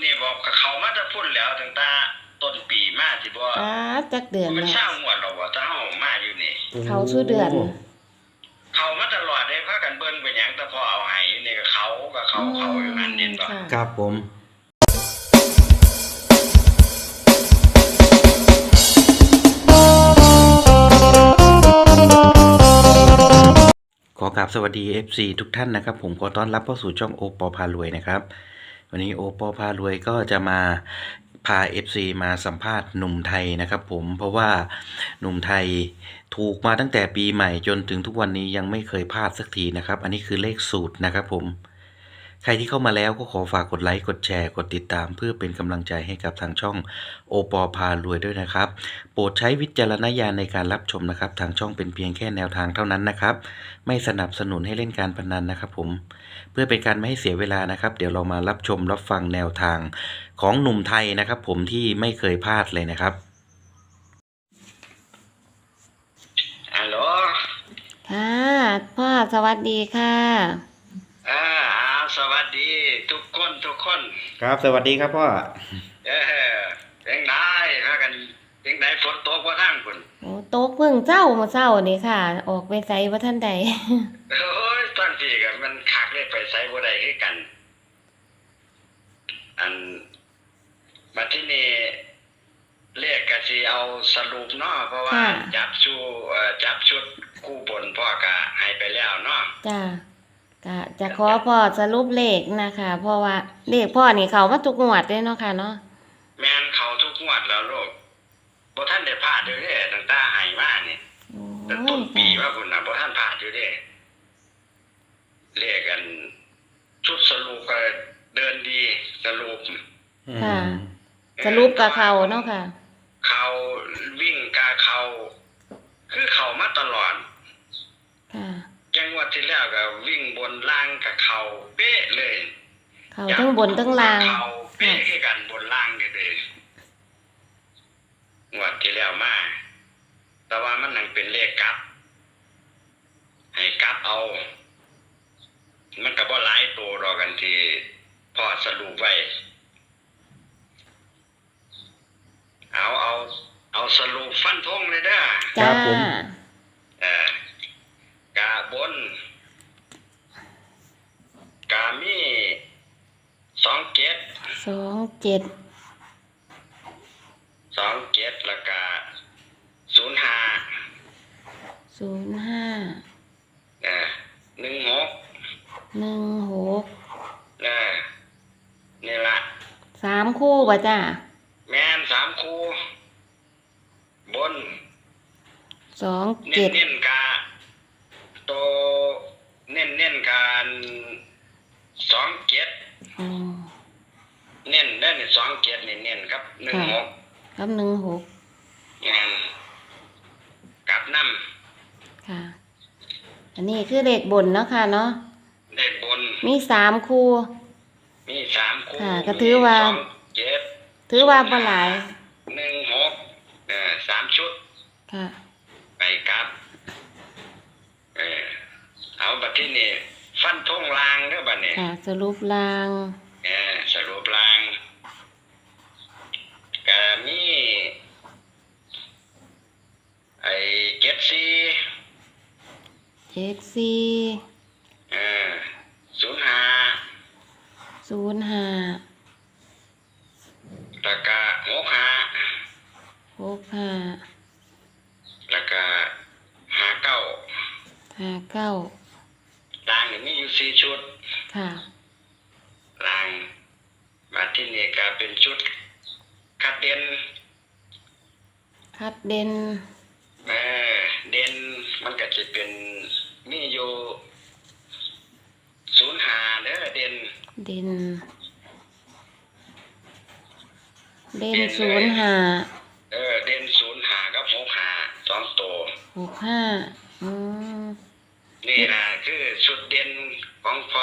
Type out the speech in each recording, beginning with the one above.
นี่บอกกับเขามาจะพุ่นแล้วตั้งแต่ต้นปีมาที่บ่จักเดือนมันเนาะสร้างงวดเราบ่ถ้าเฮามาอยู่นี่เขาชื่อเดือนเขามาตลอดได้พากันเบิ่งเป็นหยังแต่พอเอาให้อยู่นี่ก็เขาอยู่นั่นเด่นบ่ครับผมขอกราบสวัสดี FC ทุกท่านนะครับผมขอต้อนรับเข้าสู่ช่องโอปอพารวยนะครับวันนี้โอปอพารวยก็จะมาพา FC มาสัมภาษณ์หนุ่มไทยนะครับผมเพราะว่าหนุ่มไทยถูกมาตั้งแต่ปีใหม่จนถึงทุกวันนี้ยังไม่เคยพลาดสักทีนะครับอันนี้คือเลขสูตรนะครับผมใครที่เข้ามาแล้วก็ขอฝากกดไลค์กดแชร์กดติดตามเพื่อเป็นกำลังใจให้กับทางช่องโอปอพารวยด้วยนะครับโปรดใช้วิจารณญาณในการรับชมนะครับทางช่องเป็นเพียงแค่แนวทางเท่านั้นนะครับไม่สนับสนุนให้เล่นการพนันนะครับผมเพื่อเป็นการไม่ให้เสียเวลานะครับเดี๋ยวเรามารับชมรับฟังแนวทางของหนุ่มไทยนะครับผมที่ไม่เคยพลาดเลยนะครับฮัลโหลค่ะพ่อสวัสดีค่ะสวัสดีทุกคนครับสวัสดีครับพ่อเป็นไงพากันเป็นไงฝนตกบ่ทางพุ่นโอ้ตกเพิ่งเจ้ามาเช้านี่ค่ะออกไปไสบ่ทันใดโอ้ยตอนที่ก็มันคักเลยไปไสบ่ได้คือกันอันบัดที่นี่เลขก็สิเอาสรุปเนาะเพราะว่าจับชุดคู่บนพ่อก็ให้ไปแล้วเนาะจ้าก็จะขอพ่อสรุปเลขนะคะเพราะว่าเลขพ่อนี่เขามาทุกงวดเลยเนาะค่ะเนาะแม่นเขาทุกงวดแล้วลูกบ่ทันได้พลาดเด้อตั้งแต่ให้มานี่ตั้งต้นปีว่าพุ่นน่ะบ่ทันพลาดอยู่เด้เลขกันชุดสรุปก็เดินดีสรุปค่ะสรุปกับเขาเนาะค่ะเขาวิ่งกาเขาคือเขามาตลอดค่ะจังหวัดที่แล้วก็วิ่งบนล่างกับเขาเป๊ะเลยเขาทั้งบนทั้งล่างเขาเป๊ะคือกันบนล่างนี่เลยงวดที่แล้วมาแต่ว่ามันนั่งเป็นเลขกลับให้กลับเอามันก็บ่หลายตัวรอกันที่พอสรุปไว้เอาสรุปฟันธงเลยเด้อจ้าผมกาบนกามี27แล้วก็16นี่ล่ะ 3คู่บ่จ้าแม่น3คู่บน 27 เน้นกาโตเน้นการ27เน้นได้27นี่เน้นครับ16 ครับ16 งานกลับนำค่ะอันนี้คือเลขบนเนาะค่ะเนาะเลขบนมี3คู่ค่ะก็ถือว่าบ่หลาย 16 3ชุดค่ะไปกลับเอาบัดที่นี่ฟันธงลางเด้อบัดนี้ค่ะสรุปลางสรุปลางก็มีไอ้ 05 แล้วก็ 65 แล้วก็ 59 ลางนี่มีอยู่4ชุดค่ะลางมาที่นี่ก็เป็นชุดคัดเด่นเด่นมันก็จะเป็นมีอยู่05เด้อเด่น 05เด่น 05กับ65 2ตัว 65 นี่ล่ะคือชุดเด่นของพ่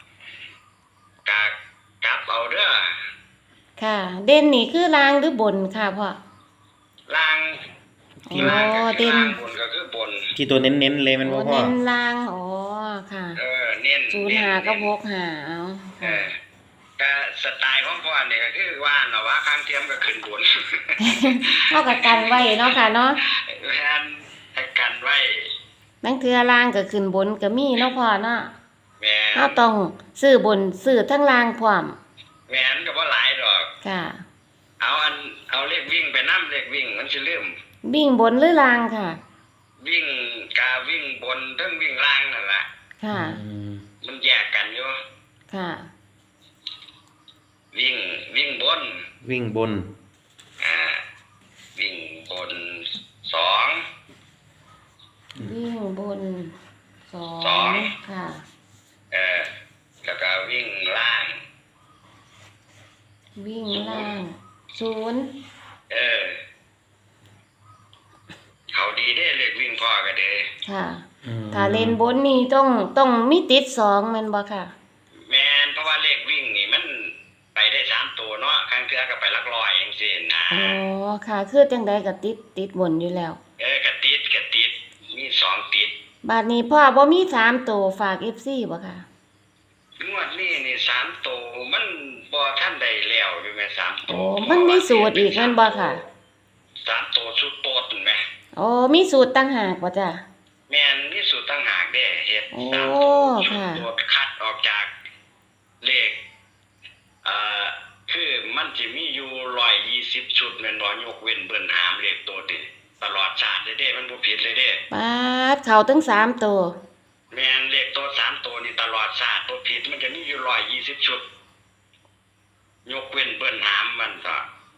อกลับเอาเด้อค่ะเด่นนี่คือล่างหรือบนค่ะพ่อล่างที่ล่างก็คือล่างบนก็คือบนที่ตัวเน้นๆเลยมันบ่พ่อเน้นล่างค่ะเน้น 05กับ65เอาก็สไตล์ของพ่อเนี่ยก็คือว่าเนาะว่าข้างเทียมก็ขึ้นบนเท่ากับกันไว้เนาะค่ะเนาะแม่นให้กันไว้บางเทื่อล่างก็ขึ้นบนก็มีเนาะพ่อเนาะแม่นเราต้องซื้อบนซื้อทั้งล่างพร้อมแม่นก็บ่หลายดอกค่ะเอาเลขวิ่งไปนํเลขวิ่งมันสิลืมวิ่งบนหรือล่างค่ะวิ่งกาวิ่งบนเทั้งวิ่งล่างนั่นล่ะค่ะมันแยกกันอยู่ค่ะวิ่งบนวิ่งบนวิ่งบนสองวิ่งบนสอสอง งค่ะแล้วก็วิ่งล่างวิ่งล่างศูนย์เขาดีได้เลขวิ่งพ่อก็เด้ค่ะ ถ้าเล่นบนนี่ต้องมีติดสองแม่นบ่ค่ะแม่นเพราะว่าเลขวิ่งนี่มันไปได้3ตัวเนาะครั้งเทื่อก็ไปหลักร้อยจังซี่นะอ๋อ ค่ะคือจังใดก็ติดบนอยู่แล้วกระติดมี2ติดบาดนี้พ่อบ่มี3ตัวฝาก FC บ่ค่ะงวดนี้นี่3ตัวมันบ่ทันได้แล้วอยู่แม่3ตัวโอ้มันมีสูตรอีกแม่นบ่ค่ะ 3ตัวสุดโตดนั่นแหมโอ้มีสูตรต่างหากบ่จ้ะแม่นมีสูตรต่างหากเด้เฮ็ดโอ้ 3ตัวค่ะตัวคัดออกจากเลขคือมันสิมีอยู่120ชุดแม่นบ่ยกเว้นเบิ่นหามเลขตัวติตลอดชาติเลยเด้มันบ่ผิดเลยเด้ปาดเข้าถึง3ตัวแม่นเลขตัว3ตัวนี่ตลอดชาติบ่ผิดมันจะมีอยู่120ชุดยกเว้นเบิ่นหามมันก็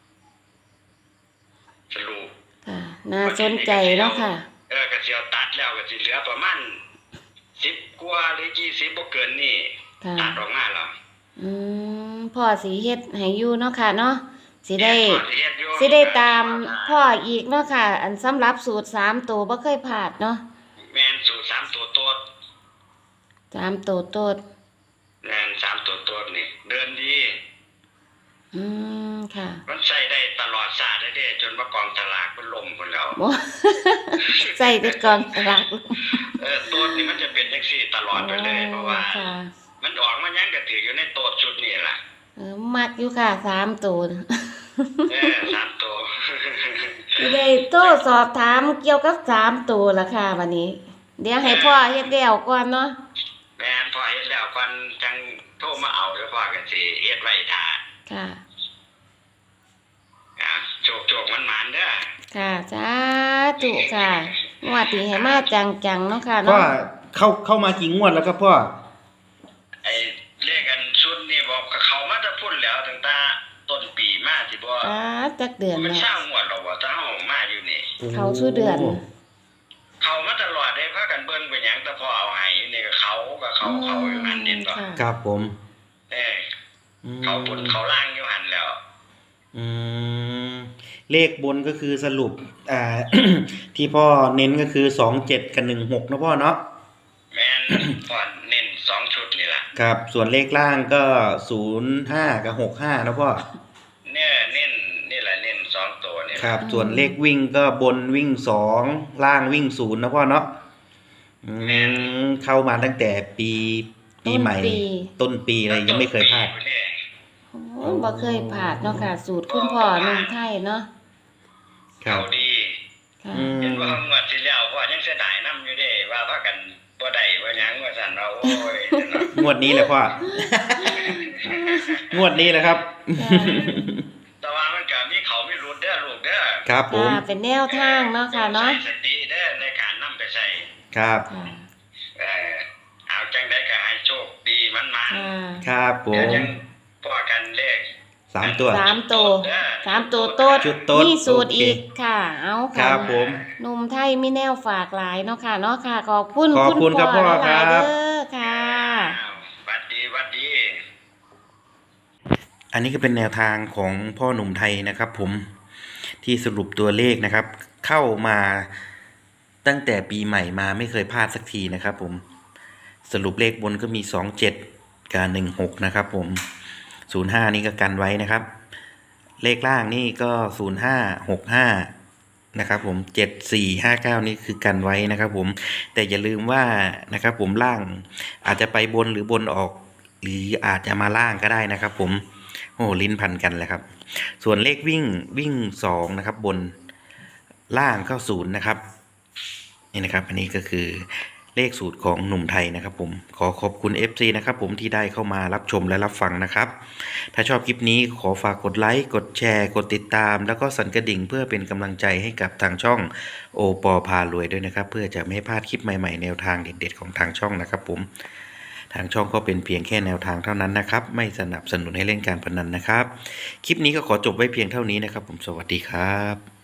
สรุปค่ะ น่าสนใจเนาะค่ะก็สิเอาตัดแล้วก็สิเหลือประมาณ10กว่าหรือ20บ่เกินนี่ค่ะตัดออกมาแล้วพ่อสิเฮ็ดให้อยู่เนาะค่ะเนาะสิได้แม่นพอเฮ็ดอยู่สิได้ตามพ่ออีกเนาะค่ะ อันสำหรับสูตร3ตัวบ่เคยพลาดเนาะแม่นสูตร3ตัวโตด 3ตัวโตดแม่น3ตัวโตดนี่เดินดีค่ะมันใช้ได้ตลอดชาติเลยเด้จนว่ากองสลากมันล่มพุ่นแล้วบ่ ใส่แต่ก่อนสลากตัวนี่มันจะเป็นจังซี่ตลอดไปเลยเพราะว่าค่ะมันออกมายังก็ถืออยู่ในตัวชุดนี่ล่ะมักอยู่ค่ะ3ตัว 3ตัวสิได้โทรสอบถามเกี่ยวกับ3ตัวล่ะค่ะวันนี้ เดี๋ยวให้พ่อเฮ็ดแล้วก่อนเนาะแม่นพอเฮ็ดแล้วก่อนจังโทรมาเอาเดี๋ยวพ่อก็สิเฮ็ดไว้ท่าค่ะโชคมันหมานเด้อค่ะสาธุค่ะงวดที่ให้มาจังๆเนาะค่ะพ่อเนาะเข้ามากี่งวดแล้วครับพ่อไอ้เลขกันชุดนี่บอกกับเขามาจะพุ่นแล้วตั้งแต่ต้นปีมาสิบ่จักเดือนมันแล้วเช้างวดแล้วบ่ถ้าเฮามาอยู่นี่เขาชื่อเดือนเขามาตลอดได้พากันเบิ่งเป็นหยังแต่พอเอาให้อยู่นี่ก็เขาอยู่หันนี่บ่ค่ะครับผมเขาบนเขาล่างอยู่หันแล้วอืมเลขบนก็คือสรุปที่พ่อเน้นก็คือ27กับ16นะพ่อเนาะแม่น พอเน้น2ชุดนี่ล่ะครับ ส่วนเลขล่างก็05กับ65นะพ่อเนี่ยเน้นนี่แหละเน้น2ตัวนี่ครับ ส่วนเลขวิ่งก็บนวิ่ง2ล่างวิ่ง0นะพ่อเนาะเข้ามาตั้งแต่ปีใหม่ ต้นปีอะไรยังไม่เคยพลาดโอ้บ่เคยพลาดเนาะค่ะ สูตรคุณพ่อนุ่มไทยเนาะครัเขาบดีค่ะเห็นว่างวดที่แล้วพ่อยังเสียดายนํอยู่เด้ว่าพากันบ่ได้ว่าหยังว่าซั่นว่าโอ้ยงวดนี้แหละพ่อ งวดนี้แหละครับแต่ว่ามันก็มีเขามีรุดเด้อลูกเด้อครับผมเป็นแนวทางเนาะค่ะเนาะใช้สติเด้อในการนำไปใช้ครับค่ะเอาจังได๋ก็ให้โชคดีมันมาค่ะครับผเดี๋ยวมจังพอกันเลข 3 ตัว 3ตัว3ตัวโตดชุดโต๊ดมีสูตรโอเคอีกค่ะ เอาคค่ะรับผมหนุ่มไทยมีแนวฝากหลายเนาะค่ะเนาะค่ะ ขอบคุณขอบคุณครับพ่อหลายๆครับเด้อค่ะหวัดดีอันนี้ก็เป็นแนวทางของพ่อหนุ่มไทยนะครับผมที่สรุปตัวเลขนะครับ เข้ามาตั้งแต่ปีใหม่มาไม่เคยพลาดสักทีนะครับผมสรุปเลขบนก็มี27กับ16นะครับผม05นี่ก็กันไว้นะครับ เลขล่างนี่ก็0565นะครับผม7459นี่คือกันไว้นะครับผมแต่อย่าลืมว่านะครับผมล่างอาจจะไปบนหรือบนออกหรืออาจจะมาล่างก็ได้นะครับผมโอ้ลิ้นพันกันแหละครับส่วนเลขวิ่ง2นะครับบนล่างก็0นะครับนี่นะครับอันนี้ก็คือเลขสูตรของหนุ่มไทยนะครับผมขอขอบคุณ FC นะครับผมที่ได้เข้ามารับชมและรับฟังนะครับถ้าชอบคลิปนี้ขอฝากกดไลค์กดแชร์กดติดตามแล้วก็สั่นกระดิ่งเพื่อเป็นกำลังใจให้กับทางช่องโอปอพารวยด้วยนะครับเพื่อจะไม่ให้พลาดคลิปใหม่ๆแนวทางเด็ดๆของทางช่องนะครับผมทางช่องก็เป็นเพียงแค่แนวทางเท่านั้นนะครับไม่สนับสนุนให้เล่นการพนันนะครับคลิปนี้ก็ขอจบไว้เพียงเท่านี้นะครับผมสวัสดีครับ